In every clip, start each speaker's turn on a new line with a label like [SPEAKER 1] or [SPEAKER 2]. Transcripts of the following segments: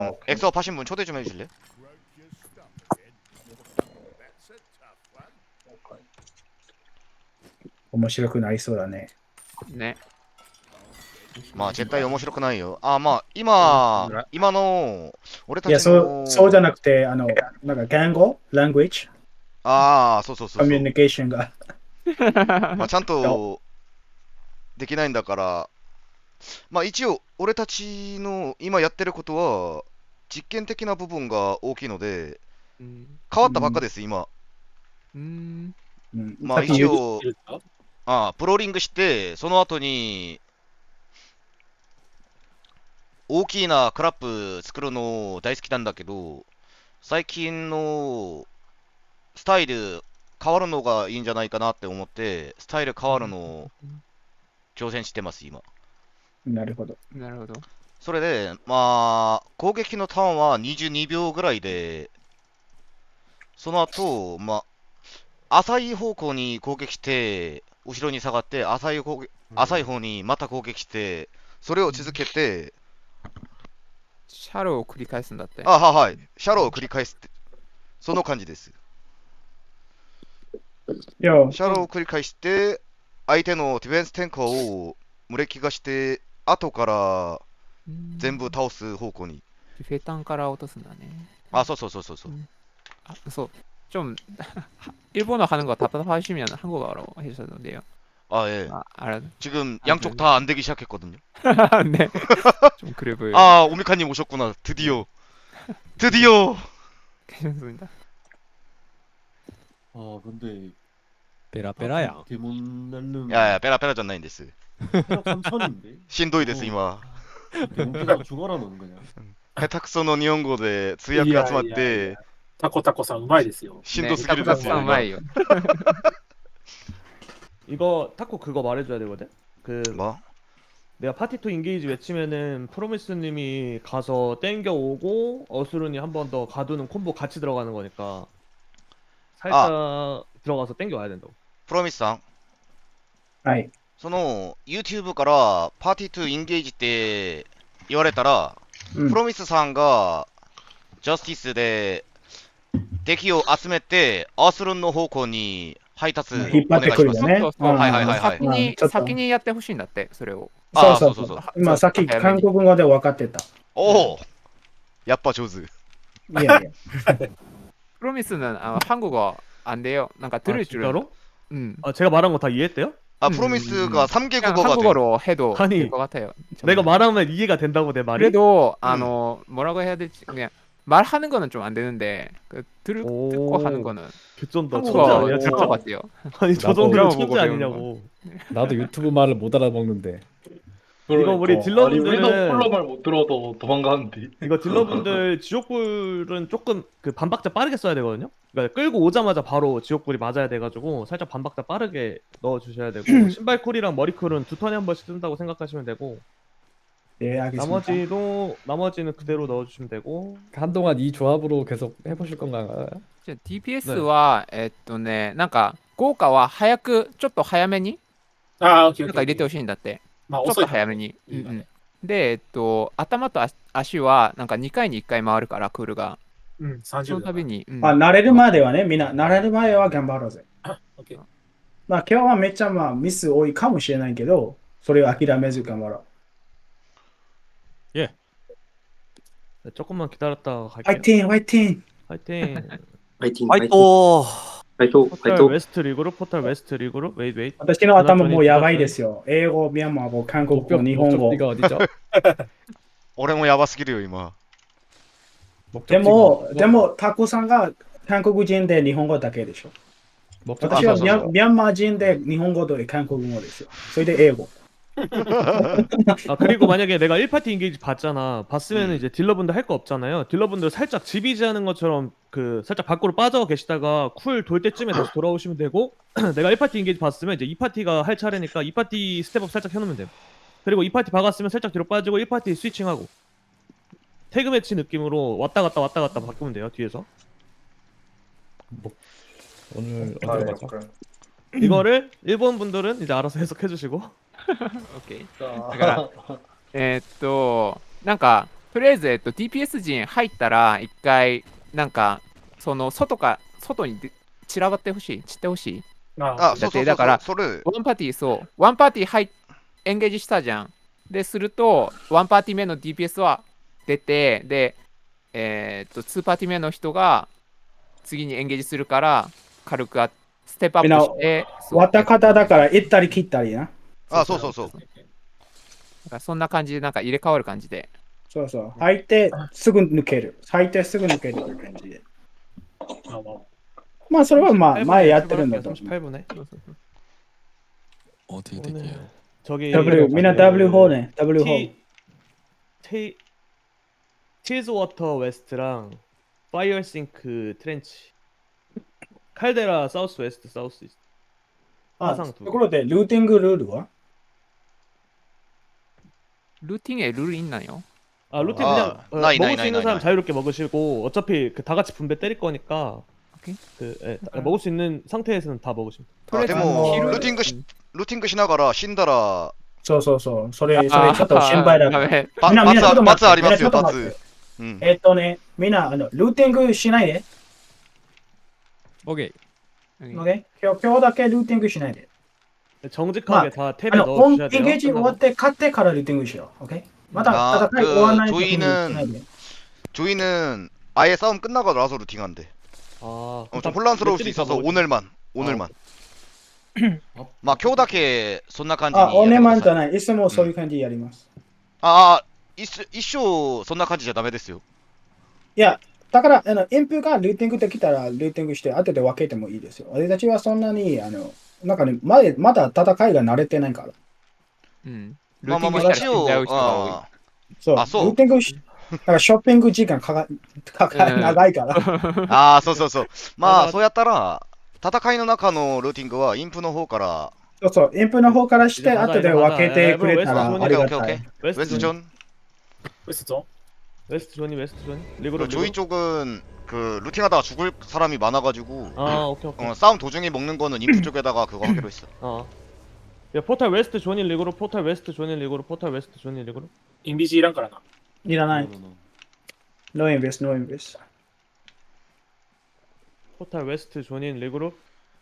[SPEAKER 1] 엑스업 하신 분 초대 좀 해주실래?
[SPEAKER 2] 面白くなりそうだね。
[SPEAKER 3] ね。
[SPEAKER 1] まあ絶対面白くないよ。あ、まあ今の俺
[SPEAKER 2] いや、
[SPEAKER 1] たちの
[SPEAKER 2] そうじゃなくて、なんか言語 language
[SPEAKER 1] ああ、そうそうそうそう。
[SPEAKER 2] コミュニケーションが。
[SPEAKER 1] まあちゃんとできないんだから、まあ一応俺たちの今やってることは実験的な部分が大きいので、
[SPEAKER 3] うん。
[SPEAKER 1] 変わったばっかです、今。
[SPEAKER 3] うん。
[SPEAKER 2] うん、
[SPEAKER 1] まあ
[SPEAKER 2] さっき言う
[SPEAKER 1] 一応、プローリングして、その後に大きなクラップ作るの大好きなんだけど、最近のスタイル変わるのがいいんじゃないかなって思って、スタイル変わるのを挑戦してます、今。
[SPEAKER 2] なるほど。
[SPEAKER 3] なるほど。
[SPEAKER 1] それで、まあ、攻撃のターンは22秒ぐらいで、その後、まあ、浅い方向に攻撃して、後ろに下がって、浅い方にまた攻撃して、それを続けて、
[SPEAKER 3] シャローを繰り返すんだって。
[SPEAKER 1] はい、シャローを繰り返すって、その感じです。
[SPEAKER 2] いや、
[SPEAKER 1] シャローを繰り返して、相手のディフェンス転換を無力化して、後から全部倒す方向に。
[SPEAKER 3] フェタンから落とすんだね。
[SPEAKER 1] あ、そうそうそうそうそう。
[SPEAKER 3] 아, 그래서 좀 일본어 하는 거 답답하시면 한국어로 해주셔도 돼요.
[SPEAKER 1] 아, 예.
[SPEAKER 3] 아, 알아.
[SPEAKER 1] 지금 양쪽 다 안 되기 시작했거든요.
[SPEAKER 3] 네. 좀 그래 보여요.
[SPEAKER 1] 아, 오미카님 오셨구나. 드디어. 드디어!
[SPEAKER 3] 괜찮습니다.
[SPEAKER 4] 아 근데
[SPEAKER 5] 베라베라야.
[SPEAKER 4] 데몬 날름
[SPEAKER 1] 야, 빼라 졌나인 데스.
[SPEAKER 4] 체력 3천인데?
[SPEAKER 1] 신도이 데스, 이마.
[SPEAKER 4] 데몬 깨다가 죽어라 너는 그냥.
[SPEAKER 1] 下手くその日本語で通訳集まっ
[SPEAKER 6] いやいやい
[SPEAKER 1] て
[SPEAKER 6] や、タコタコさんうまいですよ。
[SPEAKER 1] しんどすぎる
[SPEAKER 3] 네,
[SPEAKER 1] ですよ、
[SPEAKER 3] 딱
[SPEAKER 1] 今。
[SPEAKER 3] 마이요.
[SPEAKER 7] 이거 타코 그거 말해줘야 되거든? 그
[SPEAKER 1] 뭐?
[SPEAKER 7] 내가 파티 투 인게이지 외치면은 프로미스님이 가서 땡겨 오고 어스룬이 한 번 더 가두는 콤보 같이 들어가는 거니까 살짝 들어가서 땡겨 와야 된다고.
[SPEAKER 1] プロミスさん、
[SPEAKER 2] はい。
[SPEAKER 1] その YouTube からパーティートゥインゲージって言われたら、
[SPEAKER 2] うん
[SPEAKER 1] プロミスさんがジャスティスで敵を集めてアースルンの方向に配達お
[SPEAKER 2] 引っ張って
[SPEAKER 1] 願いします。
[SPEAKER 2] くるよね。
[SPEAKER 3] そうそうそう
[SPEAKER 1] はいはいはいはい
[SPEAKER 3] 先に
[SPEAKER 2] ちょっと
[SPEAKER 3] 先にやってほしいんだってそれを。
[SPEAKER 1] あ
[SPEAKER 2] そうそうそう。今さっき韓国語で分かってた。
[SPEAKER 1] おお、やっぱ上手。
[SPEAKER 2] いやいや。
[SPEAKER 3] 프로미스는 한국어 안 돼요. 뭔가 들을
[SPEAKER 7] 아,
[SPEAKER 3] 줄은.
[SPEAKER 7] 진짜로?
[SPEAKER 3] 아,
[SPEAKER 7] 제가 말한 거 다 이해했대요?
[SPEAKER 1] プロミスが3개
[SPEAKER 3] 그냥
[SPEAKER 1] 국어가 돼.
[SPEAKER 3] 한국어로 해도
[SPEAKER 7] 아니,
[SPEAKER 3] 될 것 같아요.
[SPEAKER 7] 내가 말하면 이해가 된다고 내 말이?
[SPEAKER 3] 그래도 뭐라고 해야 될지 그냥 말하는 거는 좀 안 되는데 듣고 하는 거는
[SPEAKER 7] 개쩐다. 천재
[SPEAKER 3] 한국어
[SPEAKER 7] 아니야
[SPEAKER 3] 될것
[SPEAKER 7] 진짜?
[SPEAKER 3] 같아요.
[SPEAKER 7] 아니 저
[SPEAKER 5] 나도
[SPEAKER 7] 정도면
[SPEAKER 3] 드라마 보고
[SPEAKER 7] 천재
[SPEAKER 3] 배우는
[SPEAKER 7] 아니냐고.
[SPEAKER 5] 나도 유튜브 말을 못 알아먹는데.
[SPEAKER 7] 이거 우리
[SPEAKER 4] 아니
[SPEAKER 7] 딜러분들은
[SPEAKER 4] 우리도 폴로 말 못 들어도 도망가는데.
[SPEAKER 7] 이거 딜러분들 지옥불은 조금 그 반박자 빠르게 써야 되거든요. 그러니까 끌고 오자마자 바로 지옥불이 맞아야 돼가지고 살짝 반박자 빠르게 넣어주셔야 되고 신발쿨이랑 머리쿨은 두 턴에 한 번씩 뜬다고 생각하시면 되고
[SPEAKER 2] 예, 알겠습니다.
[SPEAKER 7] 나머지는 그대로 넣어주시면 되고.
[SPEAKER 5] 한동안 이 조합으로 계속 해보실 건가요?
[SPEAKER 3] DPS와 なんか効果は早くちょっと早めに
[SPEAKER 6] ああ、オッケー
[SPEAKER 3] なんか入れてほしいんだって。
[SPEAKER 6] まあ、
[SPEAKER 3] ちょっ
[SPEAKER 6] 遅いから
[SPEAKER 3] と早めに。
[SPEAKER 6] いいわね
[SPEAKER 3] で、頭と足はなんか2回に1回回るからクールが。
[SPEAKER 6] うん、
[SPEAKER 3] そ
[SPEAKER 6] 30秒。
[SPEAKER 3] の度に。
[SPEAKER 2] まあ、慣れるまではね、みんな、慣れる前は頑張ろうぜ。
[SPEAKER 6] オッケー。
[SPEAKER 2] まあ、今日はめっちゃミス多いかもしれないけど、それを諦めず頑張ろう。
[SPEAKER 7] 네, 조금만 기다렸다가 갈게요.
[SPEAKER 2] 화이팅, 화이팅!
[SPEAKER 7] 화이팅.
[SPEAKER 8] 파이팅,
[SPEAKER 5] 파이팅!
[SPEAKER 8] 파이팅,
[SPEAKER 7] 포탈
[SPEAKER 8] 파이팅.
[SPEAKER 7] 웨스트 리그룹, 포탈 웨스트 리그룹. 웨이트.
[SPEAKER 2] 私の頭もうやばいですよ。英語、ミャンマー語、韓国語、日本語。
[SPEAKER 5] 목적지가 어디죠?
[SPEAKER 1] 俺もやばすぎるよ、今。
[SPEAKER 2] で
[SPEAKER 5] 목적지가
[SPEAKER 2] も、
[SPEAKER 5] 어디죠?
[SPEAKER 2] でも、タコさんが韓国人で日本語だけでしょ。
[SPEAKER 5] 목적지가
[SPEAKER 2] 私は
[SPEAKER 1] そうそうそう
[SPEAKER 2] ミャンマー人で日本語と韓国語ですよ。それで英語。
[SPEAKER 7] 아 그리고 만약에 내가 1파티 인게이지 봤잖아. 봤으면 이제 딜러분들 할 거 없잖아요. 딜러분들 살짝 지비지 하는 것처럼 그 살짝 밖으로 빠져 계시다가 쿨 돌 때쯤에 다시 돌아오시면 되고 내가 1파티 인게이지 봤으면 이제 2파티가 할 차례니까 2파티 스텝업 살짝 해놓으면 돼. 그리고 2파티 박았으면 살짝 뒤로 빠지고 1파티 스위칭하고 태그 매치 느낌으로 왔다 갔다 바꾸면 돼요 뒤에서.
[SPEAKER 5] 오늘 어디로 가죠?
[SPEAKER 7] 이거를 일본 분들은 이제 알아서 해석해 주시고.
[SPEAKER 3] OK。だから、なんか、 とりあえず、DPS 陣入ったら、一回、なんか、その外に散らばってほしい、散ってほしい。
[SPEAKER 6] あ
[SPEAKER 1] あ、そうそうそう
[SPEAKER 3] だから
[SPEAKER 1] それ、
[SPEAKER 3] ワンパーティー、そう、ワンパーティーエンゲージしたじゃん。で、すると、ワンパーティー目の DPS は出て、で、2パーティー目の人が次にエンゲージするから、軽くステップアップして、そう
[SPEAKER 2] 割った方だから行ったり切ったりな。
[SPEAKER 1] あ、そうそうそう。
[SPEAKER 3] だからそんな感じで、なんか入れ替わる感じで。
[SPEAKER 2] そうそう。入ってすぐ抜ける。入ってすぐ抜けるって感じで。
[SPEAKER 6] まあまあ
[SPEAKER 2] まあそれはまあ前やってるんだと思う。
[SPEAKER 7] 38분에.
[SPEAKER 9] 어떻게 될게요?
[SPEAKER 7] 저기
[SPEAKER 2] Wみんな W ホーね。W ホー。
[SPEAKER 7] 치즈워터 웨스트랑 파이어싱크 트렌치 칼데라 사우스 웨스트 사우스 이스트
[SPEAKER 2] あ、
[SPEAKER 7] 화상
[SPEAKER 2] と
[SPEAKER 7] 두
[SPEAKER 2] ころでルーティングルールは
[SPEAKER 3] ルーティン에 룰이 있나요?
[SPEAKER 7] 아 루틴
[SPEAKER 1] 아,
[SPEAKER 7] 그냥
[SPEAKER 1] 나이,
[SPEAKER 7] 먹을
[SPEAKER 1] 나이,
[SPEAKER 7] 수 있는
[SPEAKER 1] 나이,
[SPEAKER 7] 사람
[SPEAKER 1] 나이.
[SPEAKER 7] 자유롭게 먹으시고 어차피 다 같이 분배 때릴 거니까
[SPEAKER 3] 오케이.
[SPEAKER 7] 먹을 수 있는 상태에서는 다 먹으시면 돼요.
[SPEAKER 1] あ、でも、
[SPEAKER 2] あの
[SPEAKER 1] ルーティングしながら死んだら、
[SPEAKER 2] そうそうそう。それちょっと心配だから。
[SPEAKER 3] ダメ。
[SPEAKER 2] みんなちょっと待って
[SPEAKER 1] 罰ありますよ、
[SPEAKER 2] みんなちょっと待って
[SPEAKER 1] 罰。うん。
[SPEAKER 2] みんなルーティングしないで。
[SPEAKER 9] 오케이.
[SPEAKER 2] OK? 今日だけルーティングしないで。
[SPEAKER 7] 정직하게 다 탭에
[SPEAKER 2] オンエ
[SPEAKER 7] 넣어주셔야
[SPEAKER 2] ン
[SPEAKER 7] 돼요.
[SPEAKER 2] ゲージ終わって勝ってからルーティングしよう。OK? まだ戦い終わらない時にしないで。
[SPEAKER 1] 조이는 아예 싸움 끝나고 나서 루팅한대.
[SPEAKER 7] 아,
[SPEAKER 1] 좀 혼란스러울 수 있어서 오늘만. 막今日だけそんな感じに
[SPEAKER 2] あ、おねまんじゃ
[SPEAKER 1] い。
[SPEAKER 2] ない。いつもそういう感じでやります。
[SPEAKER 1] 一生そんな感じじゃダメですよ。
[SPEAKER 2] いや、だからインプがルーティングできたらルーティングして後で分けてもいいですよ。俺たちはそんなになんかね、まだ戦いが慣れてないから。
[SPEAKER 3] うん。
[SPEAKER 1] まあまあまあ一応、
[SPEAKER 3] ルーティングしたら死んじゃう人が多い。
[SPEAKER 2] そう。
[SPEAKER 1] あそう
[SPEAKER 2] ルーティングだからショッピング時間長いから。
[SPEAKER 1] そうそう。まあそうやったら戦いの中のルーティングはインプの方から
[SPEAKER 2] そうそう。インプの方からして後で分けてくれたらありがたい。
[SPEAKER 1] ウェスト존
[SPEAKER 6] 웨스트죠?
[SPEAKER 7] 웨스트 존이 리그로
[SPEAKER 1] 조이 쪽은 그 루팅하다가 죽을 사람이 많아가지고
[SPEAKER 7] 아 오케이.
[SPEAKER 1] 싸움 도중에 먹는 거는 인프 쪽에다가 그거 하기로 했어.
[SPEAKER 7] 야 포탈 웨스트 존이 리그로 포탈 웨스트 존이 리그로 포탈 웨스트 존이 리그로
[SPEAKER 6] インビジいらんからな。
[SPEAKER 2] いらない。ノーインベス、ノーインベス。
[SPEAKER 7] 포탈 웨스트 존인 리그로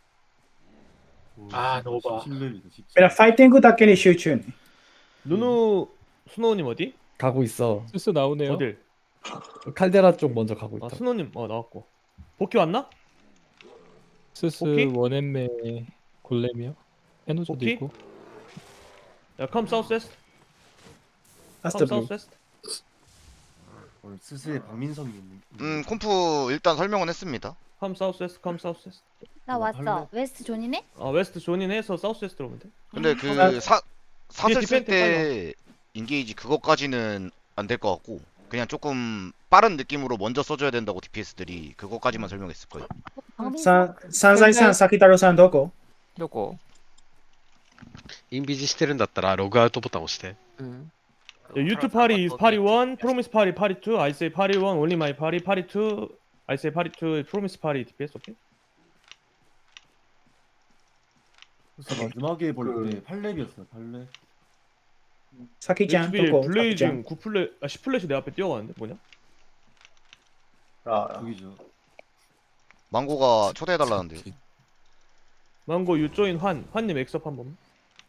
[SPEAKER 6] 아, 노바.
[SPEAKER 4] 10렙이다, 10.
[SPEAKER 2] ファイティングだけに集中ね。
[SPEAKER 7] 누누 스노우님 어디?
[SPEAKER 5] 가고 있어.
[SPEAKER 9] 슬슬 나오네요.
[SPEAKER 7] 어딜?
[SPEAKER 5] 칼데라 쪽 먼저 가고 있다.
[SPEAKER 7] 아 스노우님 나왔고 복귀 왔나?
[SPEAKER 9] 슬슬
[SPEAKER 7] 오케이?
[SPEAKER 9] 원앤매 골렘이요. 해노조도
[SPEAKER 7] 오케이?
[SPEAKER 9] 있고.
[SPEAKER 7] 야 컴 사우스 웨스트
[SPEAKER 2] 아스
[SPEAKER 7] 컴
[SPEAKER 2] 더 블루.
[SPEAKER 7] 사우스 웨스트
[SPEAKER 4] 오늘 스스의 박민성이 있는.
[SPEAKER 1] 콤프 일단 설명은 했습니다.
[SPEAKER 7] 컴 사우스 웨스트 컴 사우스 웨스트
[SPEAKER 10] 나 왔어. 웨스트 존이네?
[SPEAKER 7] 웨스트 존인 해서 사우스 웨스트로 오면 돼.
[SPEAKER 1] 근데 그 사슬 쓸 때 인게이지 그거까지는 안 될 것 같고 그냥 조금 빠른 느낌으로 먼저 써줘야 된다고 DPS들이 그거까지만 설명했을 거예요.
[SPEAKER 2] サンザイさん、サキタロさんどこ
[SPEAKER 3] どこ？
[SPEAKER 11] インビジしてるんだったらログアウトボタン押して。
[SPEAKER 3] うん。
[SPEAKER 7] 유튜브 파리 is 파리 1, 프로미스 파리 파리 2, I say 파리 1, only my 파리 파리 2, I say 파리 2, 프로미스 파리 DPS 오케이?
[SPEAKER 4] 그래서 마지막에 볼 때 8렙이었어요, 8렙.
[SPEAKER 2] サキちゃん、ど
[SPEAKER 7] HB
[SPEAKER 2] こサキちゃん
[SPEAKER 7] 블레이징 9플레 10플래시 내 앞에 뛰어가는데 뭐냐?
[SPEAKER 4] 저기죠.
[SPEAKER 1] 망고가 초대해달라는데요.
[SPEAKER 7] 망고 유조인 환님 엑스업 한 번.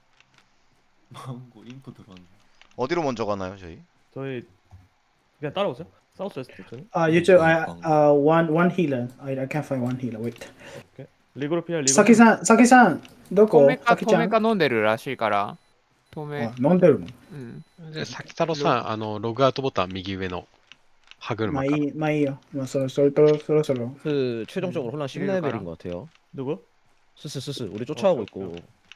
[SPEAKER 4] 망고 인프 들어왔네.
[SPEAKER 1] 어디로 먼저 가나요, 저희?
[SPEAKER 7] 저희 그냥 따라오세요. 사우스 웨스트 저는.
[SPEAKER 2] YouTube, one healer. I can't find one healer. Wait.
[SPEAKER 7] 리그로 피할 리그.
[SPEAKER 2] サキさん、どこ
[SPEAKER 3] 透明
[SPEAKER 2] サキちゃん。
[SPEAKER 3] 飲んでるらしいから。透明。
[SPEAKER 2] 飲んでるの
[SPEAKER 3] うん。
[SPEAKER 11] で、さきたろさん、ログアウトボタン右上の歯車から。
[SPEAKER 2] まあいいよ。もうそろそろ。
[SPEAKER 12] 그 최종적으로 혼란 10레벨인 것 같아요.
[SPEAKER 7] 누구?
[SPEAKER 12] 스스 우리 쫓아오고 있고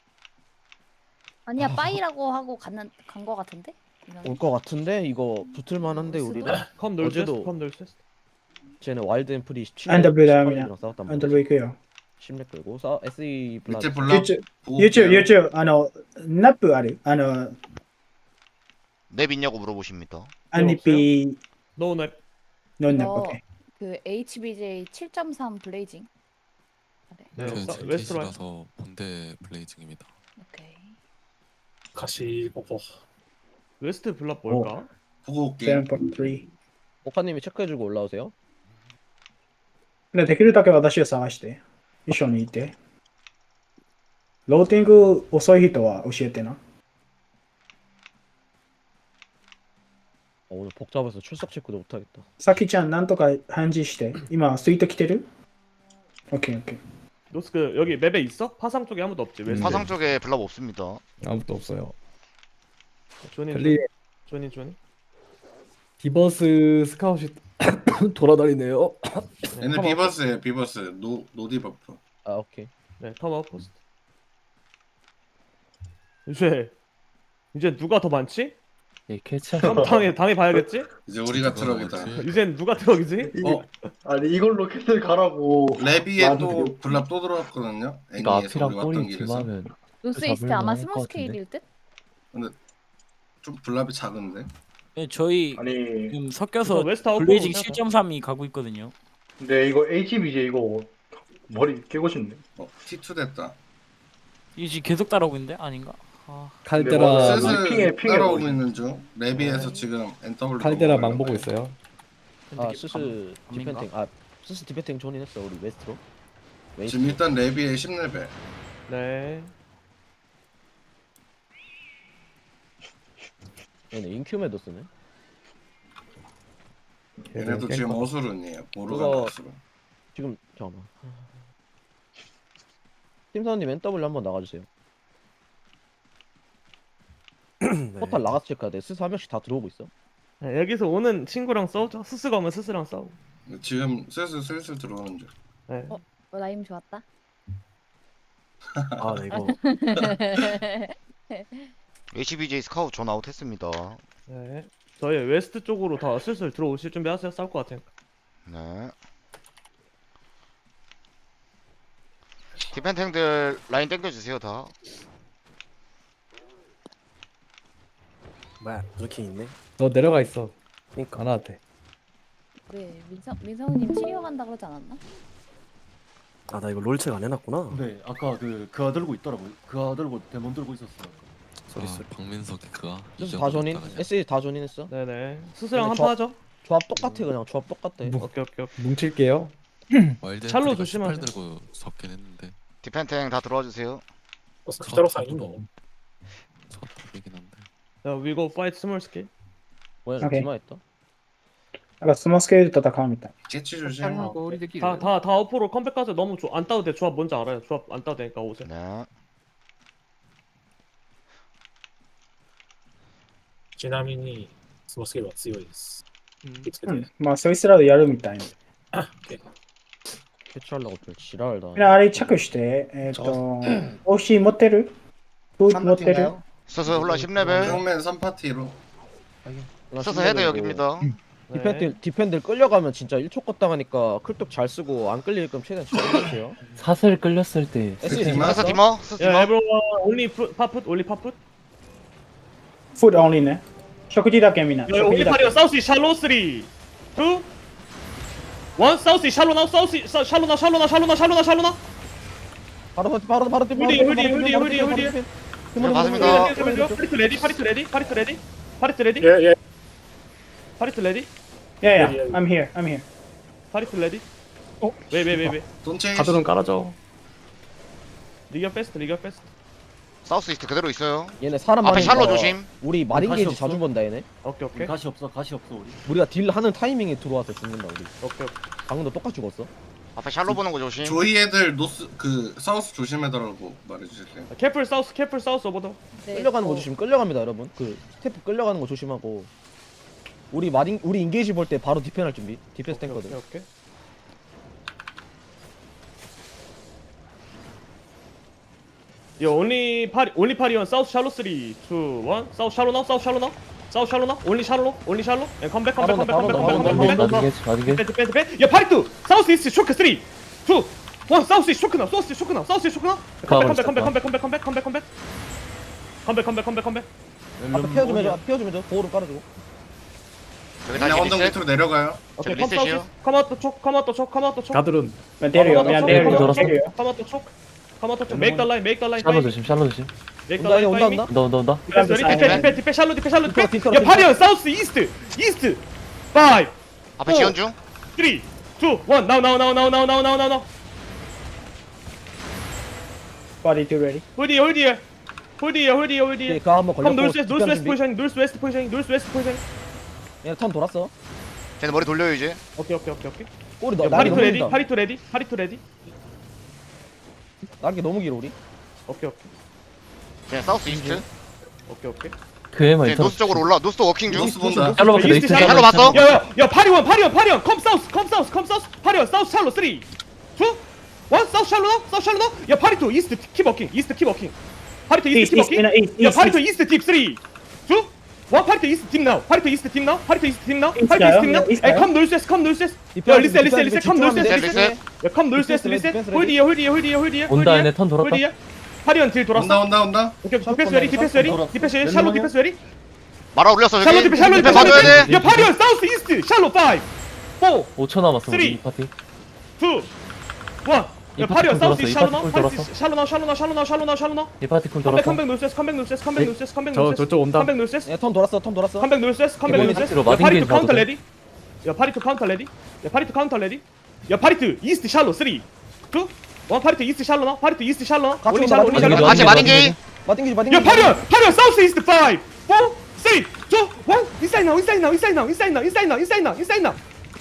[SPEAKER 10] 아니야, 빠이라고 하고 간 거 같은데?
[SPEAKER 12] 올 것 같은데 이거 붙을 만한데 우리는
[SPEAKER 7] 컴 놀스
[SPEAKER 12] 어제도
[SPEAKER 7] 컴 놀스.
[SPEAKER 12] 쟤네 와일드 앰플이
[SPEAKER 2] NW랑
[SPEAKER 12] 17랑 싸웠단 말이야.
[SPEAKER 2] 안들고 있고요.
[SPEAKER 12] 10렙 끌고 SE 블라드
[SPEAKER 2] YouTube, 나프 ある
[SPEAKER 1] 랩 있냐고 물어보십니다.
[SPEAKER 2] 아니피
[SPEAKER 7] 노랩.
[SPEAKER 2] 논나
[SPEAKER 10] 어.
[SPEAKER 2] 오케이.
[SPEAKER 10] 그 HBJ 7.3 블레이징.
[SPEAKER 7] 네,
[SPEAKER 9] 그
[SPEAKER 7] 웨스트로 할.
[SPEAKER 9] 제이시라서 본대 블레이징입니다.
[SPEAKER 10] 오케이.
[SPEAKER 6] 가시 보고.
[SPEAKER 7] 웨스트 블랍 뭘까?
[SPEAKER 8] 보고 올게요.
[SPEAKER 2] 7.3
[SPEAKER 12] 오카님이 체크해주고 올라오세요.
[SPEAKER 2] でできるだけ私を探して一緒にいてローティング遅い人は教えてな
[SPEAKER 12] 오늘 복잡해서 출석 체크도 못하겠다.
[SPEAKER 2] さきちゃんなんとか返事して今スイート来てる 오케이 오케이
[SPEAKER 7] 노스크 여기 맵에 있어? 파상 쪽에 아무도 없지. 왜?
[SPEAKER 1] 파상 쪽에 블랍 없습니다.
[SPEAKER 5] 아무것도 없어요.
[SPEAKER 7] 조니
[SPEAKER 5] 벨리
[SPEAKER 7] 조니.
[SPEAKER 5] 디버스 스카웃이 돌아다니네요.
[SPEAKER 8] 얘는 비버스예요. 비버스. 노디버프.
[SPEAKER 12] 아 오케이.
[SPEAKER 7] 네, 컴 아웃포스트. 이제 누가 더 많지?
[SPEAKER 9] 예, 캐치.
[SPEAKER 7] 그럼 당해 봐야겠지?
[SPEAKER 8] 이제 우리가 트럭이다.
[SPEAKER 7] 이젠 누가 트럭이지?
[SPEAKER 4] 아니 이걸로 캐슬 가라고.
[SPEAKER 8] 레비에 또 블랍 또 들어왔거든요.
[SPEAKER 9] 이거
[SPEAKER 8] 애니에서
[SPEAKER 9] 앞이랑
[SPEAKER 8] 우리 왔던
[SPEAKER 9] 꼬리
[SPEAKER 8] 길에서.
[SPEAKER 9] 뒤마면
[SPEAKER 10] 노스 이스트
[SPEAKER 9] 잡을만
[SPEAKER 10] 아마
[SPEAKER 9] 할것
[SPEAKER 10] 스몰
[SPEAKER 9] 같은데?
[SPEAKER 10] 스케일일 듯?
[SPEAKER 8] 좀 블랍이 작은데.
[SPEAKER 13] 네, 저희
[SPEAKER 4] 아니
[SPEAKER 13] 지금 섞여서
[SPEAKER 7] 웨스트 아웃
[SPEAKER 13] 블레이징
[SPEAKER 7] 보고
[SPEAKER 13] 7.3이 가고 있거든요.
[SPEAKER 4] 근데 이거 HBJ 이거 머리 깨고 싶네.
[SPEAKER 8] T2 됐다.
[SPEAKER 13] 이게 지금 계속 따라오고 있는데 아닌가? 아,
[SPEAKER 5] 칼데라
[SPEAKER 8] 슬슬
[SPEAKER 4] 핑에
[SPEAKER 8] 따라오고
[SPEAKER 4] 보이네.
[SPEAKER 8] 있는 중. 레비에서 지금 NW.
[SPEAKER 5] 칼데라 망 보고 있어요.
[SPEAKER 12] 아 스스
[SPEAKER 13] 아닌가?
[SPEAKER 12] 디펜팅 아 스스 디펜팅 존인 했어 우리 웨스트로.
[SPEAKER 8] 지금 일단 레비에 10레벨.
[SPEAKER 7] 네.
[SPEAKER 12] 얘네 인큐메도 쓰네.
[SPEAKER 8] 얘네도 지금 어수룬이에요. 모르간
[SPEAKER 12] 그거-
[SPEAKER 8] 어수룬.
[SPEAKER 12] 지금 잠깐만. 팀사원님 NW 한번 나가주세요. 포탈 나가서 체크해야 돼. 스스 한 명씩 다 들어오고 있어.
[SPEAKER 7] 네, 여기서 오는 친구랑 싸우자. 스스가 오면 스스랑 싸우.
[SPEAKER 8] 지금 슬슬 들어오는 중.
[SPEAKER 7] 네.
[SPEAKER 10] 라임 좋았다.
[SPEAKER 9] 아, 네, 이거
[SPEAKER 1] HBJ 스카우트 전 아웃했습니다.
[SPEAKER 7] 네. 저희 웨스트 쪽으로 다 슬슬 들어오실 준비하세요. 싸울 것 같으니까.
[SPEAKER 1] 네. 디펜탱들 라인 땡겨주세요 다.
[SPEAKER 9] 뭐야, 이렇게 있네.
[SPEAKER 5] 너 내려가 있어.
[SPEAKER 9] 그러니까.
[SPEAKER 5] 안 와도 돼.
[SPEAKER 10] 왜 민성우님 치료 간다 그러지 않았나?
[SPEAKER 9] 아, 나 이거 롤책 안 해놨구나.
[SPEAKER 4] 근데 아까 그아 들고 있더라고요. 그아 들고 데몬 들고 있었어.
[SPEAKER 9] 소리 소리.
[SPEAKER 11] 박민석이 그가
[SPEAKER 12] 스스 다 존인. SE 다 존인 했어.
[SPEAKER 7] 네네. 스스랑
[SPEAKER 12] 근데
[SPEAKER 7] 한판 하죠.
[SPEAKER 12] 조합 똑같아 그냥 조합 똑같아.
[SPEAKER 7] 오케이.
[SPEAKER 5] 뭉칠게요.
[SPEAKER 11] 와일드
[SPEAKER 7] 샬롯
[SPEAKER 11] 샬로
[SPEAKER 7] 조심하세요.
[SPEAKER 11] 18 들고 섞긴 했는데
[SPEAKER 1] 디펜탱 다 들어와 주세요.
[SPEAKER 6] 기다려 사인도.
[SPEAKER 11] 서탑이긴 한데.
[SPEAKER 7] 자, we go fight small scale.
[SPEAKER 12] 뭐야
[SPEAKER 2] 오케이.
[SPEAKER 12] 디마했다.
[SPEAKER 2] なんかスモスケールと戦うみたい
[SPEAKER 8] 캐치 조심.
[SPEAKER 3] 하고 우리들끼리
[SPEAKER 7] 다 어포로 컴백하자. 너무 안 따도 돼. 조합 뭔지 알아요. 조합 안 따도 되니까 오세요.
[SPEAKER 1] 네.
[SPEAKER 6] ちなみにスモスケールは強いです。気をつけて。
[SPEAKER 2] うんまあそいつらでやるみたいな
[SPEAKER 12] 캐치하려고 또 지랄을 다.
[SPEAKER 2] みんなあれチェックしてOC 持ってるフード持ってる
[SPEAKER 1] 스스 홀라 10레벨.
[SPEAKER 8] 정면 3파티로.
[SPEAKER 1] 스스 헤드 여기입니다.
[SPEAKER 12] 디펜들 끌려가면 진짜 1초 껐다 가니까 클뚝 잘 쓰고 안 끌리게끔 최대한 잘 해주세요.
[SPEAKER 9] 사슬 끌렸을 때
[SPEAKER 12] SE
[SPEAKER 8] 디마?
[SPEAKER 1] 스스
[SPEAKER 12] 디마.
[SPEAKER 1] 디머. 스스
[SPEAKER 7] 야,
[SPEAKER 1] 디머.
[SPEAKER 7] everyone only 파풋, only 파풋.
[SPEAKER 2] フードオンリーね食事だけみんな
[SPEAKER 7] 야,
[SPEAKER 2] 食
[SPEAKER 7] only
[SPEAKER 2] 事だ
[SPEAKER 7] 파리어
[SPEAKER 2] け
[SPEAKER 7] 사우스 샬로 3, 2, 1 사우스 샬로 나우 사우스 샬로 나.
[SPEAKER 12] 바로
[SPEAKER 7] 홀디.
[SPEAKER 1] 맞습니다.
[SPEAKER 7] 파리트 레디.
[SPEAKER 6] 예 예.
[SPEAKER 7] 파리트 레디.
[SPEAKER 2] Yeah, yeah, I'm here, I'm here.
[SPEAKER 7] 파리트 레디. 왜.
[SPEAKER 8] 돈체.
[SPEAKER 9] 가드론 깔아줘.
[SPEAKER 7] 리가 패스트.
[SPEAKER 1] 사우스 이스트 그대로 있어요.
[SPEAKER 12] 얘네 사람
[SPEAKER 1] 앞에
[SPEAKER 12] 많으니까
[SPEAKER 1] 샬로 조심.
[SPEAKER 12] 우리 마린
[SPEAKER 4] 가시
[SPEAKER 12] 게이지
[SPEAKER 4] 없어?
[SPEAKER 12] 자주 본다 얘네.
[SPEAKER 7] 오케이.
[SPEAKER 4] 가시 없어 우리.
[SPEAKER 12] 우리가 딜 하는 타이밍에 들어와서 죽는다 우리.
[SPEAKER 7] 오케이.
[SPEAKER 12] 방금도 똑같이 죽었어.
[SPEAKER 1] 앞에 샬로 보는 거 조심.
[SPEAKER 8] 조이 애들 노스 사우스 조심해달라고 말해주실래요?
[SPEAKER 7] 캐플 사우스 오버더.
[SPEAKER 10] 네,
[SPEAKER 12] 끌려가는 거 조심. 끌려갑니다 여러분. 그 스태프 끌려가는 거 조심하고. 우리 인게이지 볼 때 바로 디펜할 준비. 디펜스 탱거든.
[SPEAKER 7] 오케이. 요 only 파리온 사우스 샬로 3, 2, 1 사우스 샬로 나우 only 샬로 예, 컴백
[SPEAKER 12] 바로
[SPEAKER 9] 어디게?
[SPEAKER 7] 디펜 야 파리투 사우스 이스트 쇼크 3, 2, 1 사우스 이스트 쇼크 나 컴백
[SPEAKER 12] 앞에 피어 좀 해줘. 보호를 깔아주고.
[SPEAKER 1] 여기
[SPEAKER 8] 그냥
[SPEAKER 1] 다시
[SPEAKER 8] 언덕
[SPEAKER 1] 리셋.
[SPEAKER 8] 밑으로 내려가요.
[SPEAKER 7] 오케이
[SPEAKER 1] 리셋이요?
[SPEAKER 7] 컴 사우스 커마토 촉
[SPEAKER 5] 가드론
[SPEAKER 2] 出るよ、みんな出るよ。
[SPEAKER 9] 돌았어?
[SPEAKER 2] 出るよ。
[SPEAKER 7] 커마토 촉 make the line
[SPEAKER 9] 샬로 조심, 샬로 조심.
[SPEAKER 12] 온다 얘 온다 온다.
[SPEAKER 9] 온다.
[SPEAKER 7] 디페 샬로 야 파리언 사우스 이스트 5
[SPEAKER 1] 앞에 지원 중.
[SPEAKER 7] 3 2 1 now
[SPEAKER 2] Body to ready.
[SPEAKER 7] 홀드 here
[SPEAKER 12] 오케이, 그거 한번 걸렸고.
[SPEAKER 7] north west
[SPEAKER 12] 디펜 준비.
[SPEAKER 7] position
[SPEAKER 12] 얘 턴 돌았어.
[SPEAKER 1] 쟤네 머리 돌려요 이제.
[SPEAKER 7] 오케이
[SPEAKER 12] 꼬리
[SPEAKER 7] 야,
[SPEAKER 12] 날개
[SPEAKER 7] 파리투
[SPEAKER 12] 너무
[SPEAKER 7] 레디
[SPEAKER 12] 길다.
[SPEAKER 7] 파리투 레디
[SPEAKER 12] 날개 너무 길어 우리.
[SPEAKER 7] 오케이
[SPEAKER 1] 쟤네 사우스 이스트.
[SPEAKER 9] 그애만
[SPEAKER 1] 쟤네 노스 쪽으로 올라. 노스 워킹 중.
[SPEAKER 8] 노스 본다.
[SPEAKER 9] 샬로 봤어.
[SPEAKER 7] 이스트
[SPEAKER 9] 이스트
[SPEAKER 1] 샬로 봤어?
[SPEAKER 7] 야야 파리원 come south 파리원 사우스 샬로 3 2 1 사우스 샬로 야 파리투 이스트 킵 워킹 파리투 이스트 킵 워킹 야 파리투 이스트 딥 3 2 1 파리투 이스트 팀 now 에이 컴 놀세스 야 리셋 컴 놀세스 야 컴 놀세스 리셋 홀드
[SPEAKER 9] 온다. 얘네 턴 돌았다.
[SPEAKER 7] 파리원 딜 돌았어
[SPEAKER 8] 온다.
[SPEAKER 7] 오케이 디펜스 레디 샬로 디펜스 레디
[SPEAKER 1] 말아 올렸어
[SPEAKER 7] 샬로
[SPEAKER 1] 저기.
[SPEAKER 7] 디펜
[SPEAKER 1] 디펜 봐줘야 돼.
[SPEAKER 7] 야 파리원 사우스 이스트 샬로 5 4
[SPEAKER 9] 5초 남았어.
[SPEAKER 7] 쓰리.
[SPEAKER 9] 우리 이 파티.
[SPEAKER 7] 2 1 야
[SPEAKER 9] 이
[SPEAKER 7] 파리원
[SPEAKER 9] 파티
[SPEAKER 7] 사우스
[SPEAKER 9] 쿨
[SPEAKER 7] 이스트
[SPEAKER 9] 돌았어.
[SPEAKER 7] 샬로 나우
[SPEAKER 9] 이 파티 쿨 돌았어.
[SPEAKER 7] 컴백 놀세스
[SPEAKER 5] 저쪽 온다.
[SPEAKER 7] 컴백 놀세스
[SPEAKER 12] 얘 턴 돌았어.
[SPEAKER 7] 컴백 놀세스
[SPEAKER 9] 파티로
[SPEAKER 7] 야
[SPEAKER 9] 마딘
[SPEAKER 7] 파리투
[SPEAKER 9] 게임
[SPEAKER 7] 카운터
[SPEAKER 9] 봐도 돼?
[SPEAKER 7] 레디 야 파리투 이스트 샬로 3 2 1 파리투 이스트 샬로 나
[SPEAKER 12] 같이
[SPEAKER 7] 올리
[SPEAKER 12] 온다,
[SPEAKER 7] 샬로
[SPEAKER 12] 같이 온다.
[SPEAKER 1] 같이 마딘 게임.
[SPEAKER 12] 마띵기지
[SPEAKER 7] 야 파리원 사우스 이스트 5 4 3 2 1 인사이드 나우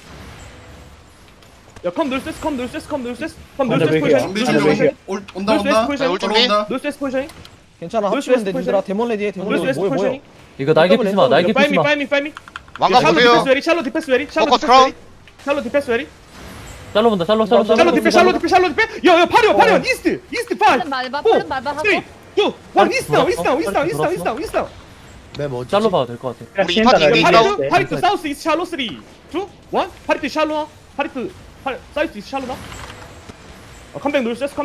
[SPEAKER 7] 야컴 놀세스 포지션
[SPEAKER 8] 준비 중. 온다.
[SPEAKER 7] 놀세스 포지션
[SPEAKER 12] 괜찮아
[SPEAKER 7] 노스
[SPEAKER 12] 합치면 돼
[SPEAKER 7] 웨스트
[SPEAKER 12] 님들아. 데몬 레디에 데몬 레디 뭐야.
[SPEAKER 9] 이거 날개 피지 마. 날개 피지 마.
[SPEAKER 7] 파이미
[SPEAKER 1] 왕관 보세요.
[SPEAKER 7] 샬로 디펜스 레디
[SPEAKER 1] 포커스 크라운.
[SPEAKER 7] 샬로 디펜스 레디
[SPEAKER 9] 샬로 본다. 샬로.
[SPEAKER 7] 샬로 디펜 야야 파리원 이스트 5
[SPEAKER 10] 빠른 말봐 하고.
[SPEAKER 7] 3 2 1 이스트 나우
[SPEAKER 9] 샬로 봐도 될 것 같아.
[SPEAKER 1] 우리 이 파티 이미 있다고.
[SPEAKER 7] 파리투 사우스 이스트 샬로 3 2 1 파리투 샬로 사우스 이스트 샬로 나 컴백 놀세스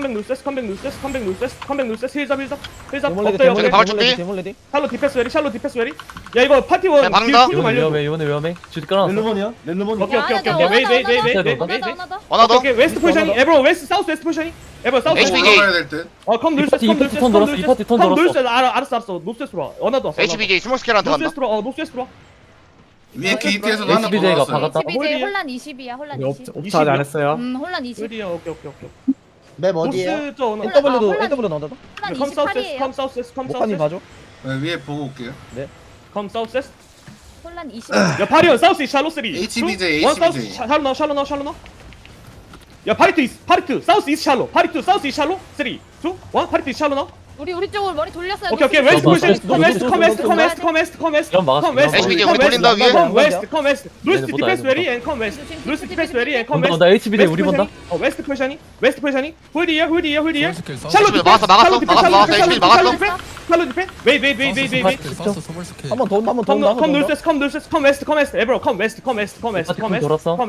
[SPEAKER 7] 힐잡
[SPEAKER 12] 데몬 레디
[SPEAKER 7] 엎드려
[SPEAKER 1] 저기 박을 준비.
[SPEAKER 12] 데몬 레디.
[SPEAKER 7] 샬로 디펜스 레디 야 이거 파티원
[SPEAKER 1] 야, 막는다.
[SPEAKER 7] 딜 쿨좀 알려줘
[SPEAKER 9] 이번에 위험해. 주디 깔아놨어.
[SPEAKER 4] 렐루몬이야?
[SPEAKER 7] 오케이
[SPEAKER 1] 하나 더.
[SPEAKER 7] 오케이 웨스트 포지션이 에브로 웨스트 사우스 웨스트 포지션이 에브로 사우스
[SPEAKER 1] HBJ.
[SPEAKER 8] 올라가야 될 듯.
[SPEAKER 7] 컴
[SPEAKER 9] 이 파티 턴 돌았어. 이 파티 턴 돌았어.
[SPEAKER 7] 알았어 노스웨스트로 와 어나도 왔어
[SPEAKER 1] HBJ 스몰 스케일한테 간다.
[SPEAKER 7] 노스웨스트로 와
[SPEAKER 8] 위에 게이트에서도 하나 더
[SPEAKER 9] HBJ 가
[SPEAKER 8] 나왔어요.
[SPEAKER 9] 박았다.
[SPEAKER 10] HBJ 혼란 20이야 혼란
[SPEAKER 5] 우리
[SPEAKER 10] 20.
[SPEAKER 5] 옵차 아직 안 했어요.
[SPEAKER 10] 혼란 20.
[SPEAKER 7] 어디야 오케이
[SPEAKER 4] 맵
[SPEAKER 7] 노스 저 어나
[SPEAKER 12] NW도
[SPEAKER 10] 혼란-
[SPEAKER 12] NW 나온다.
[SPEAKER 10] 혼란
[SPEAKER 7] 컴 사우스
[SPEAKER 10] 28이에요.
[SPEAKER 7] 컴 사우스
[SPEAKER 12] 목판이 봐줘.
[SPEAKER 8] 네, 위에 보고 올게요.
[SPEAKER 7] 컴 사우스
[SPEAKER 10] 혼란 20.
[SPEAKER 7] 야 파리온 사우스 샬로 3
[SPEAKER 8] HBJ.
[SPEAKER 7] 샬로 나 야 파리투 사우스 이스트 샬로 3 2 1 파리투 샬로 나
[SPEAKER 10] 우리 쪽으로 머리 돌렸어요.
[SPEAKER 7] 오케이 웨스트 포지션 컴 웨스트
[SPEAKER 1] HBJ 우리 돌린다 위에.
[SPEAKER 7] 컴 웨스트 노스 디펜스 레디 앤 컴 웨스트 노스 디펜스 레디 앤 컴 웨스트
[SPEAKER 9] 온다. HBD 우리 본다.
[SPEAKER 7] 웨스트 포지션이 홀디야
[SPEAKER 1] 샬롯 막았어. HBJ 막았어.
[SPEAKER 7] 샬로 디펜 웨이
[SPEAKER 12] 한번 더
[SPEAKER 7] 컴 웨스트 에브로 컴 웨스트
[SPEAKER 9] 돌았어.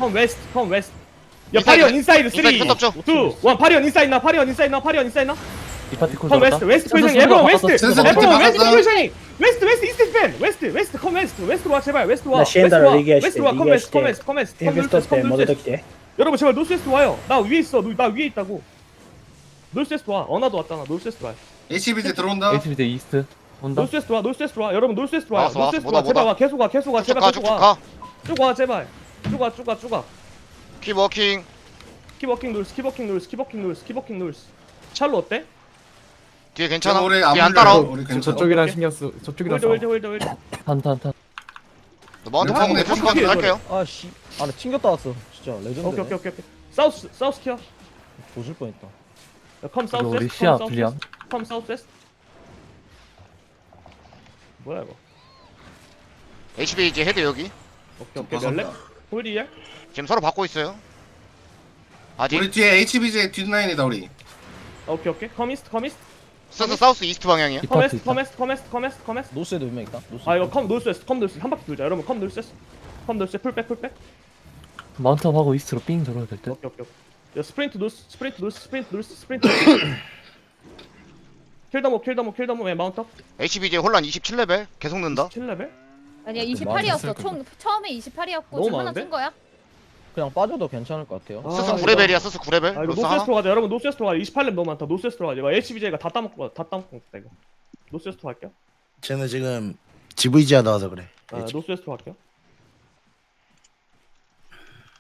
[SPEAKER 7] 야 파리온 인사이드 3 2
[SPEAKER 1] 인사이드 끝없죠?
[SPEAKER 7] 1 파리온 인사이드 나
[SPEAKER 9] 이 파티 쿨
[SPEAKER 7] 컴
[SPEAKER 9] 돌았다.
[SPEAKER 7] 웨스트 포지션 에브로 웨스트
[SPEAKER 8] 센서
[SPEAKER 7] 에브로
[SPEAKER 8] 바꿨어.
[SPEAKER 7] 웨스트 포지션이 웨스트 이스트 펜 웨스트 컴 웨스트로 와 제발 웨스트로 와 여러분 제발 노스웨스트 와요 나 위에 있어 나 위에 있다고 노스웨스트 와 어나도 왔잖아 노스웨스트 와
[SPEAKER 8] HBJ 들어온다.
[SPEAKER 9] HBD 이스트 온다.
[SPEAKER 7] 노스웨스트 와 여러분 노스웨스트 와
[SPEAKER 1] 왔어,
[SPEAKER 7] 노스웨스트
[SPEAKER 1] 뭐다,
[SPEAKER 7] 와 제발
[SPEAKER 1] 뭐다.
[SPEAKER 7] 와 계속 와 제발
[SPEAKER 1] 쭉가
[SPEAKER 7] 계속 와
[SPEAKER 1] 쭉가.
[SPEAKER 7] 쭉 와 제발 쭉 와
[SPEAKER 1] 킵 워킹.
[SPEAKER 7] 키버킹 놀스 샬로 어때?
[SPEAKER 1] 뒤에 괜찮아.
[SPEAKER 8] 우리
[SPEAKER 1] 뒤에 안 따라.
[SPEAKER 8] 우리 괜찮아.
[SPEAKER 5] 저쪽이랑 신경 쓰. 저쪽이랑 싸워.
[SPEAKER 7] 홀드
[SPEAKER 9] 탄.
[SPEAKER 1] 너 마운트
[SPEAKER 8] 네,
[SPEAKER 1] 타고
[SPEAKER 8] 네,
[SPEAKER 1] 대충 가서 할게요.
[SPEAKER 12] 아씨. 아, 나 튕겼다 왔어. 진짜 레전드.
[SPEAKER 7] 오케이 사우스 키어
[SPEAKER 12] 조질 뻔했다.
[SPEAKER 7] 컴
[SPEAKER 9] 이거
[SPEAKER 7] 사우스
[SPEAKER 9] 우리 시야 불리함.
[SPEAKER 7] 컴 사우스 웨스트 뭐야 이거
[SPEAKER 1] HBJ 헤드 여기.
[SPEAKER 7] 오케이 멜렉 홀디야
[SPEAKER 1] 지금 서로 받고 있어요. 아직.
[SPEAKER 8] 우리 뒤에 HBJ 뒷라인이다 우리.
[SPEAKER 7] 오케이 커미스트
[SPEAKER 1] 사우스 이스트 방향이야.
[SPEAKER 9] 이 파티 있다.
[SPEAKER 7] 커메스트
[SPEAKER 12] 노스에도 몇명 있다. 노스.
[SPEAKER 7] 아 이거 컴 노스웨스트 한 바퀴 돌자 여러분 컴 노스웨스트 풀백
[SPEAKER 9] 마운트업 하고 이스트로 삥 돌아야 될 듯.
[SPEAKER 7] 오케이 야 스프린트 노스 킬더모 왜 마운트 업
[SPEAKER 1] HBJ 혼란 27레벨 계속 는다.
[SPEAKER 7] 7레벨
[SPEAKER 10] 아니야 28이었어. 총 처음에 28이었고
[SPEAKER 7] 너무
[SPEAKER 10] 지금 하나
[SPEAKER 7] 많은데?
[SPEAKER 10] 준 거야.
[SPEAKER 12] 그냥 빠져도 괜찮을 것 같아요.
[SPEAKER 1] 스스 9레벨이야 스스 9레벨.
[SPEAKER 7] 아 이거
[SPEAKER 1] 로스 하나?
[SPEAKER 7] 노스웨스트로 가자. 여러분 노스웨스트로 가자. 28렙 너무 많다. 노스웨스트로 가자. 이거 HBJ가 다 따먹고 있다 이거. 노스웨스트로 갈게요.
[SPEAKER 6] 쟤는 지금 GVGA 나와서 그래.
[SPEAKER 7] 아 노스웨스트로 갈게요.